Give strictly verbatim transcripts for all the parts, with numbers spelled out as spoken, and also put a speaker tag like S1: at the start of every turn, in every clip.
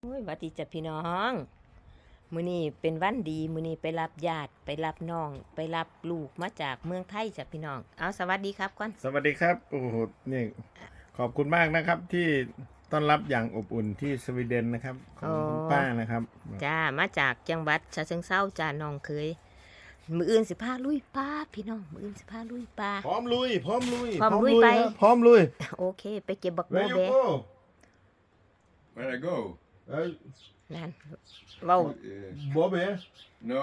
S1: โอ้ยหวัดดีจ้ะพี่น้องมื้อนี้เป็นวันดีมื้อนี้ไปรับญาติไปรับน้องไปรับลูกมาจากเมืองไทยจ้ะพี่น้องเอาสวัสดีครับก่อน
S2: สวัสดีครับโอ้โหนี่ขอบคุณมากนะครับที่ต้อนรับอย่างอบอุ่นที่สวีเดนนะครับของคุณป้านะครับ
S1: จ้ามาจากจังหวัดฉะเชิงเทราจ้าน้องเคยมื้ออื่นสิพาลุยป่าพี่น้องมื้ออื่นสิพาลุยป่า
S2: พร้อมลุยพร้อมลุย
S1: พร้อมลุยไป
S2: ครับพร้อมลุย
S1: โอเคไปเก็บบักโบ
S2: Where you
S1: แบ
S2: go
S3: Where I go?
S2: เอ้ย
S1: นั่นเว้า
S3: Uh,
S2: โบเบ
S3: no.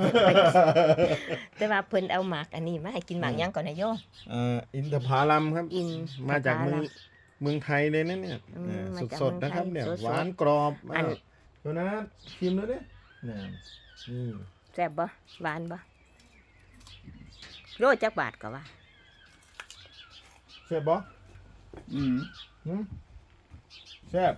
S1: แต่ว่าเพิ่นเอาหมากอันนี้มาให้กินหมากหยังก่อนนะโย
S2: เอ่ออินทผลัมครับ
S1: อิน
S2: มาจากเมือง
S1: ทผลัม
S2: เมืองไทยเลยนะเนี่ย
S1: อืม
S2: เออ
S1: มาจาก
S2: สดๆนะครับเนี่ย
S1: เมืองไทยสดๆ
S2: หวานกรอบ
S1: อัน
S2: มากดูนะชิมดูดิเนี่ยนี่
S1: แซ่บบ่หวานบ่โลจักบาทก็ว่า
S2: แซ่บบ่
S3: Mm.
S2: หืมแซ่บ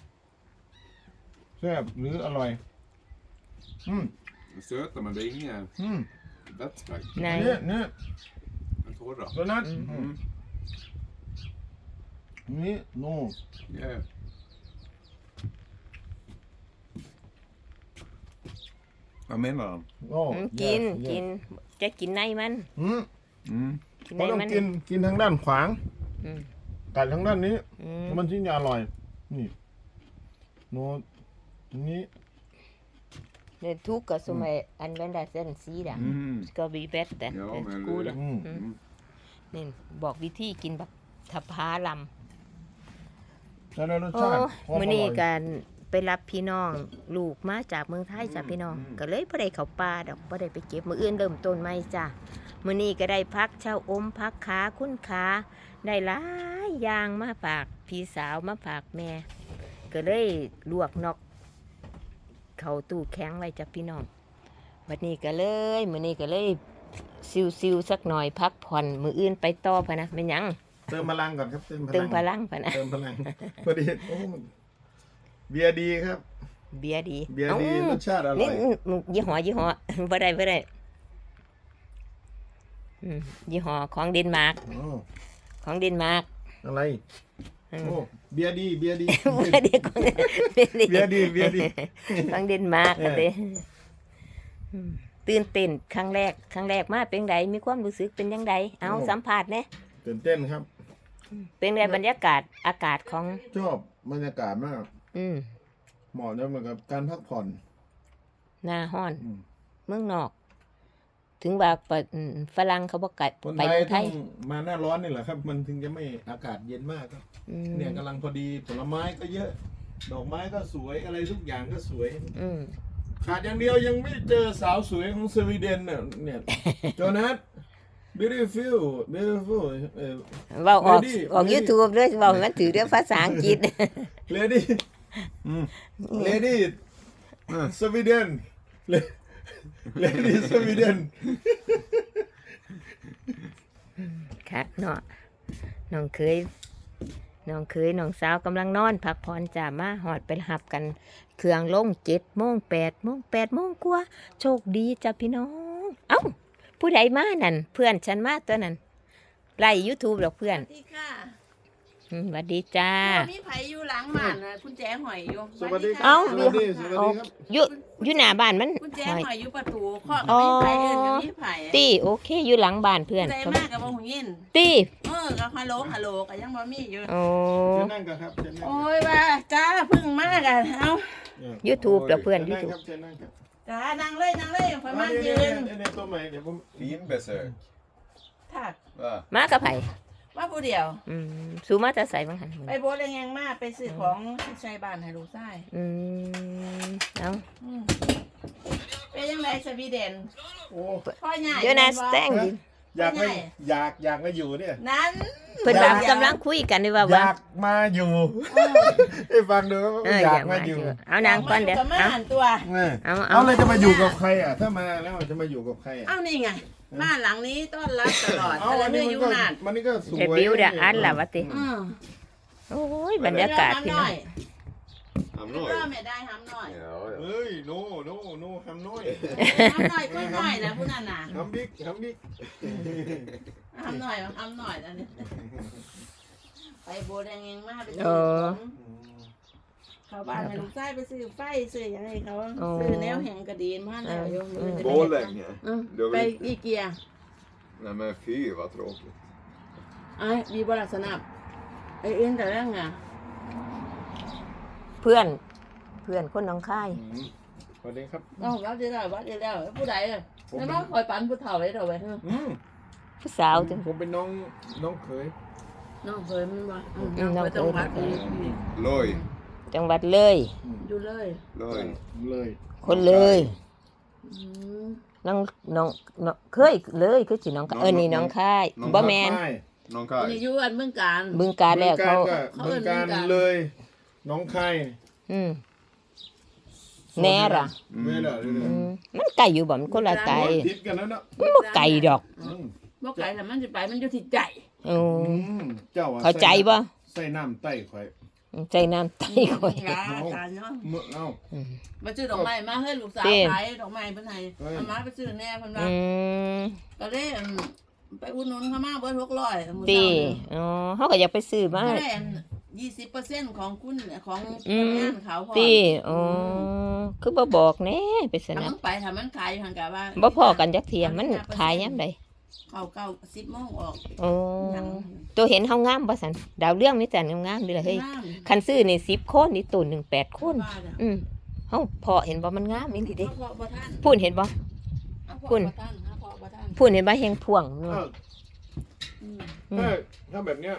S2: แซ่บหรืออร่อยอืม
S3: Söta men det är inga
S2: อืม
S3: vätska.
S1: ใน
S2: เนี่ยเนี่ย
S3: Men torra.
S2: ตัวนั้น
S3: Mm.
S2: นี่โน่
S3: Yeah. Vad menar han?
S2: โอ้
S1: อืมกิน
S2: yes, yes
S1: กินจะกินในมัน
S2: อืม
S3: Mm.
S1: กิน
S2: เขา
S1: ใน
S2: ต้อง
S1: มัน
S2: กินกินทางด้านขวาง
S1: อืม
S2: กัดทางด้านนี้
S1: อืม
S2: มันถึงจะอร่อยนี่โน่นี้
S1: เนี่ยทุกข์ก็สมัยอันเวนดาเซนซีด่ะ
S3: Mm.
S1: ก็บีเบสแต่
S3: Ja, men
S1: กูด
S3: det,
S2: อืม
S3: mm.
S1: นี่บอกวิธีกินแบบทพาล
S2: แล้วรส
S1: ำโอ้
S2: ชาติความ
S1: มื้อ
S2: อ
S1: นี้
S2: ร่อย
S1: การไปรับพี่น้องลูกมาจากเมืองไทยจ้ะพี่น้อง ก็เลยบ่ได้เข้าป่าดอกบ่ได้ไปเก็บมื้ออื่นเริ่มต้นใหม่จ้ะมื้อนี้ก็ได้พักเช่าอมพักขาคุณขาได้หลายอย่างมาฝากพี่สาวมาฝากแม่ ก็เลยลวกนอกเข้าตู้แข็งไว้จ้ะพี่น้องวันนี้ก็เลยมื้อนี้ก็เลยซิวๆสักหน่อยพักผ่อนมื้ออื่นไปต่อพะนะแม่นหยัง
S2: เติมพลังก่อนครับเติมพลัง
S1: เติมพลังพะนะ
S2: เติมพลังพอดีโอ้มันเบียร์ดีครับ
S1: เบียร์ดี
S2: เบียร์ดี
S1: อ้าร
S2: สชาติอร่
S1: นี่
S2: อย
S1: อืมยี่ห้อยี่ห้อ บ่ได้บ่ได้อืมยี่ห้อของเดนมาร์ก
S2: โอ้
S1: ของเดนมาร์ก
S2: อะไร
S1: อืม
S2: โอ้เบียร์ดีเบียร์ดี
S1: บ่ได้ของเบียร์ดี
S2: เบียร์ดีเบียร์ดี
S1: ของเดนมาร์ก
S2: เออ
S1: อะเด้อืมตื่นเต้นครั้งแรกครั้งแรกมาเป็นไดมีความรู้สึกเป็นจังไดเอาสัมภาษณ์แหน่
S2: ตื่นเต้นครับ
S1: เป็นไงบรรยากาศอากาศของ
S2: ชอบบรรยากาศมาก
S1: อืม
S2: เหมาะจะเหมือนกับการพักผ่อน
S1: หน้าฮ้อน
S2: อืม
S1: เมืองนอก ถึงว่าปะอืมฝรั่งเขาบอกกัด
S2: คน
S1: ไป
S2: ไทย
S1: เมืองไท
S2: ต้อย งมาหน้าร้อนนี่แหละครับ มันถึงจะไม่อากาศเย็นมากครับ
S1: อืม
S2: เนี่ยกำลังพอดีผลไม้ก็เยอะ ดอกไม้ก็สวยอะไรทุกอย่างก็สวย
S1: อืม
S2: ขาดอย่างเดียวยังไม่เจอสาวสวยของสวีเดนเนี่ยเนี่ย โจนัส beautiful beautiful เอ่อ
S1: เว้าออก
S2: Lady
S1: ออก
S2: Lady
S1: YouTube ด้วยเว้าให้มันถือเรื่องภาษาอังกฤษ
S2: lady อืม lady สวีเดน lady สวีเดน
S1: คักเนาะน้องเคยน้องเคยน้องสาวกำลังนอนพักผ่อนจ้ามาหอดไปหับกัน เครื่องลงเจ็ดโมงแปดโมงแปดโมงกว่าโชคดีจ้ะพี่น้อง เอ้า ผู้ใดมานั่น เพื่อนฉันมาตัวนั้นไล่ YouTube หรอกเพื่อน
S4: สวัสดีค่ะ
S1: อืมสวัสดีจ้า
S4: มีไผอยู่หลังบ้านนะคุณแจหอยอยู่
S2: สวัสดีครั
S1: เอ้า
S2: สวัสดีสวัสดี
S1: เอา
S2: ครับ
S1: อยู่อยู่หน้าบ้านมัน
S4: คุณแจ
S1: หอย
S4: หอยอยู่ประตูข้อกับมีไผเอิ้นกับมีไผ
S1: ตี้โอเคอยู่หลังบ้านเพื่อน
S4: ใจมากกับบ่หูยิน
S1: ตี้
S4: เออกับฮัลโหลฮัลโหลก็ยังบ่มีอยู่
S1: โอ้
S2: เชิญนั่งกันครับเชิญนั่ง
S4: โอ้ยว่าจ้าเพึ่งมากันเอ้า
S1: YouTube แล้วเพื่อน
S2: เชิญนั่ง
S1: YouTube
S2: ครับเชิญนั่งครับ
S4: จ้านั่งเลยนั่งเลยพม่านยืน
S2: ในตัวใหม่เดี๋ยวผม
S3: Finbesök.
S4: ถัก
S3: Va?
S1: มากับไผ
S4: ว่าผู้เดียว
S1: อืมสูมาจะใส่บางหัน
S4: ไปโบสถ์แรงๆมาไปซื้อของที่ใช้บ้านให้ลูกชาย
S1: อืมเอา
S4: อืมเป็นยังไงสวีเดน
S2: โอ้
S4: พ่อใหญ่
S1: เดี๋ยวนะ
S4: บ่
S1: แตงดิ
S2: อยากไม่อยากอยากมาอยู่เนี่ย
S4: นั้น
S1: เพิ่นว่ากำลังคุยกันด้วยว่า
S2: อ
S1: ว่า
S2: ยากมาอยู่
S4: เออ
S2: ให้ฟังดู
S1: เออ
S2: อ
S1: อยาย
S2: าก ก
S1: มา
S2: มา
S1: อ
S2: อยู่
S1: ยู่เอานางก่อนเดี๋ยว
S4: กับมา
S1: เอา
S4: หันตัว
S2: เนี่ย
S1: เอาเอา
S2: เอาเลยจะมาอยู่กับใครอ่ะถ้ามาแล้วจะมาอยู่กับใครอ่ะ
S4: เอ้านี่ไงบ้านหลังนี้ต้อนรับตลอด
S2: เอา
S4: แต่
S2: อัน
S4: เมื่
S2: นี้
S4: อ
S2: มัน
S4: อยู่
S2: ก็
S4: นาน
S2: มันนี่ก็สวย
S1: เดบิวต์เดี๋ยวอันล่ะว่าติ
S4: อืม
S1: โอ้ยบรรยากาศพี่น้อง
S3: Han
S4: น้อย
S3: har
S4: ไม่ได้ห้ามหน่อย
S3: Ja, ja.
S2: เฮ้ยโนโนโนทำน้อย
S4: ห้ามหน่อยก็หน่อยนะผู้นั้นน่ะ
S2: ทำบิ๊กทำบิ๊ก
S4: ห้ามหน่อยห้ามหน่อยนะนี่ไปโบแดงเองมากไป
S1: เออ
S4: เขาบ้านให้ลูกชายไปซื้อไฟซื้อหยังให้เขา
S1: อ๋อ
S4: ซื้อแนวแห่งกระดีนมาแล้วโยม
S1: อืม
S3: Borlänge.
S4: อืม
S3: Då
S4: ไป
S3: vill...
S4: อีเกีย
S3: Nej men fy vad tråkigt.
S4: ไอ้ดีบ่ล่ะสนับไอ้เอ็นแต่เรื่องอ่ะ
S1: เพื่อน เพื่อนคนหน้องค่าย
S2: อืมสวัสดีครับ
S4: เอ้าวัดได้แล้ววัดได้แล้วผู้ใดอ่ะแล้วมาคอยปันผู้เฒ่าไว้เถอะไว้เถอะ
S2: อืม
S1: ผู้สาวจัง
S2: ผมเป็นน้องน้องเขย
S4: น้องเคยมันบ่อืม
S1: อืมน้องเคย
S4: จังหวัดอีอี
S3: Loj.
S1: จังหวัดเลย
S4: อยู่เลย
S3: Loj.
S2: เลย
S1: คนเลย
S4: อืม
S1: น้องน้องน้องเคยเลยคือสิน้องเออนี่น้องค่าย
S3: น้อง
S1: บ่แมน
S2: ใช่
S3: Någon
S4: อันนี้
S3: kaj.
S4: อยู่อันเมืองการ
S1: บึงการแล้วเขา
S4: เขา
S2: เมืองการ
S4: เอิ้นเมืองการ
S2: เลย น้องคาย
S1: อืมแน่ล่ะ
S2: เมื่อไหร่เรื่อย
S1: อืมมันไกลอยู่บ่มันคนละไกล
S2: ๆทิศกันแล้วเนาะ
S1: มันบ่ไกลดอก
S2: อืม
S4: บ่ไกลแต่มันสิไปมันอยู่ที่ใจ
S1: โอ้
S2: อืมเจ้าอะ
S1: เข้าใจบ่
S2: ใส่น้ำไต้ข่อย
S1: ใจน้ำไตข่อย
S4: ยาการเนาะ
S2: เมื่อเอ้า
S1: อืม
S4: มาซื้อดอกไม้มาให้ลูกสาว
S1: เต้
S4: ขายดอกไม้เพิ่นให้
S2: เฮ้ย
S4: เอามาไปซื้อแน่เพิ่นว่า
S1: อืม
S4: ก็เลยอืมไปอุดหนุนเขามาเบิดหกร้อยมื้อ
S1: ตี
S4: เช้านี่
S1: อ๋อเขาก็อยากไปซื้อมา
S4: ก็ได้ยี่สิบเปอร์เซ็นต์ของคุณของ
S1: อืม
S4: งานเขาพอ
S1: ตีอ๋อคือบ่บอกแน่ไปส
S4: ถ้า
S1: นั
S4: มั
S1: บ
S4: นไปถ้ามันขายอยู่หั่นกะว่า
S1: บ่พอกันจักเที่ยมันขายยามใด
S4: เข้าเก้าสิบโมงออก
S1: โอ้
S4: หยัง
S1: ตัวเห็นเฮางามบ่ซั่นดาวเรื่องมีแต่งามๆนี่ล่ะเฮ้ย
S4: งาม
S1: คันซื้อนี่สิบคนนี่ตัวหนึ่งแปดคน
S4: ว่าน่ะ
S1: อืมเฮาพอเห็นบ่มันงามอีหลีเด้
S4: เอาพอบ่ทัน
S1: พูนเห็นบ่
S4: เอาพอ
S1: คุณ
S4: บ่ทันเอาพอบ่ทัน
S1: พูนเห็นบ่แฮงพ่วงนู่น
S2: เอ้า
S4: อืม
S1: อืม
S2: ถ้าถ้าแบบเนี้ย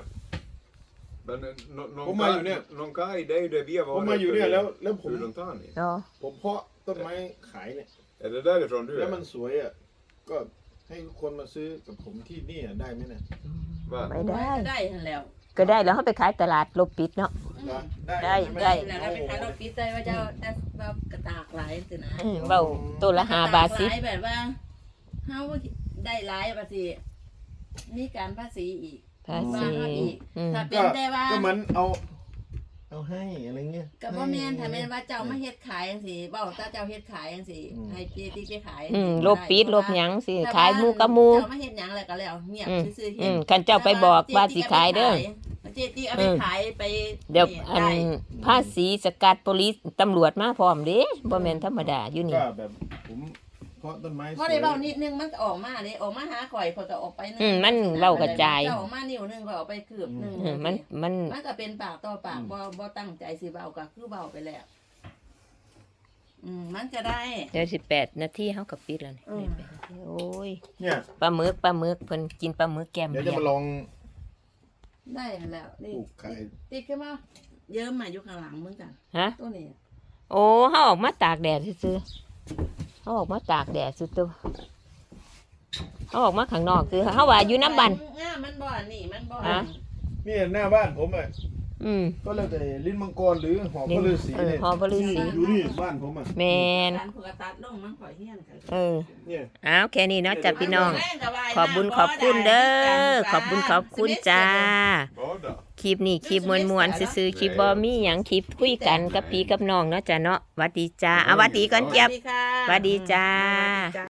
S3: Men eh, nå- någon
S2: Kom här, Julia.
S3: kaj, någon kaj, det är ju det vi har
S2: ผม
S3: varit
S2: มาอยู่เนี่ย
S3: efter
S2: แล้วแล้วผม
S3: hur långt har ni?
S1: เนาะ
S2: ผมเพาะต้นไม้ขายเนี่ย
S3: Är det därifrån du
S2: แล้ว
S3: är?
S2: มันสวยอ่ะก็ให้คนมาซื้อกับผมที่นี่อะได้ไหมเนี่ย
S3: Va?
S1: ไม่ได้
S4: ได้หั่นแล้ว
S1: ก็ได้แล้วเฮาไปขายตลาดลบปิดเนาะ ได้
S2: หม
S1: ได้
S4: แล้วเราไปขายรถปิดใจว่าจะจะว่ากระตากหลายสินะ
S1: อืมเว้าตัวละห้าบาทสิ
S4: หลายแบบว่าเฮาได้หลายบาทสิมีการภาษีอีก
S1: ภาษี
S4: ว่าเฮาอีก
S1: อืม
S4: ถ้าเป็
S2: ก็
S4: นแต่ว่า
S2: ก็เหมันเอา เอาให้อะไรเงี้ย
S4: ก็บ่แม่นถ้าแม่นว่าเจ้ามาเฮ็ดขายจังซี่เว้าถ้าเจ้าเฮ็ดขายจังซี่
S2: อืม
S4: ให้เจติไปขาย
S1: อืม
S4: จังซี่
S1: ลบปิดลบหยังสิ
S4: แต่ว่
S1: ขายหมูกับหมู
S4: เจ้ามาเฮ็ดหยังแล้วก็แล้วเงียบ
S1: อืม
S4: ซื่อๆ
S1: อื
S4: เฮ็ด
S1: มคันเจ้าไปบอกว่าสิขายเด้อ
S4: เจติเอาไปขายไป
S1: เดี๋ยว
S4: นี่
S1: อัน
S4: ได้
S1: ภาษีสกัดโปลิสตำรวจมาพร้อมเด้บ่แม่นธรรมดาอยู่นี่
S2: ก็แบบผมเพาะต้นไม้ส
S4: พอ
S2: วย
S4: ได้เว้านิดนึงมันก็ออกมาเด้ออกมาหาข่อยข่อยก็ออกไปนึง
S1: อืมมันเว้ากระจาย
S4: เจ้าออกมานิ้วนึงข่อยออกไปคืบนึง
S1: เออมันมัน
S4: มันก็เป็นปากต่อปากบ่บ่ตั้งใจสิเว้าก็คือเว้าไปแล้วอืมมันก็ได้
S1: เดี๋ยวสิบแปดนาทีเฮาก็ปิดแล้วนี่
S4: อืม
S1: โอ้ย
S2: เนี่ย
S1: ปลาหมึกปลาหมึกเพิ่นกินปลาหมึกแก้ม
S2: เดี๋ยว
S1: เบี
S2: จะ
S1: ย
S2: มาลอง
S4: ได้แล้ว
S2: ป
S4: นี่
S2: ลูกขาย
S4: ติดขึ้นมาเยิ้มมาอยู่ข้างหลังเหมือนกัน
S1: ฮะ
S4: ตัวนี้
S1: โอ้เฮาออกมาตากแดดซื่อๆเฮาออกมาตากแดดซื่อตัวเฮาออกมาข้างนอกคือเฮาว่าอยู่น้ำบัน
S4: ง่ามันบ่อันนี่มันบ่
S1: ฮะ
S2: นี่หน้าบ้านผมอ่ะ
S1: อืม
S2: ก็แล้วแต่ลิ้นมังกรหรือหอพระฤาษี
S1: เออ
S2: เนี่ย
S1: หอพระฤาษี
S2: อยู่นี่บ้านผมอ่ะ
S1: แม่น
S4: การผูกตัดลงมันข่อยเฮียนกัน
S1: เออ
S2: เนี่ย
S1: อ้าวแค่นี้เนาะจ้ะพี่น้อง
S4: แม่ก็ว่า
S1: ขอบบุญขอบคุณเด้อขอบบุญขอบคุณจ้า
S3: Bada.
S1: คลิปนี้คลิปมวนๆซื่อๆคลิปบ่มีหยังคลิปคุยกันกับพี่กับน้องเนาะจ้ะเนาะหวัดดีจ้าเอาหวัดดีก่อนเจี๊ยบ
S4: สวัสดีค่ะ
S1: หวัดดีจ้า
S4: สวัสดีจ้า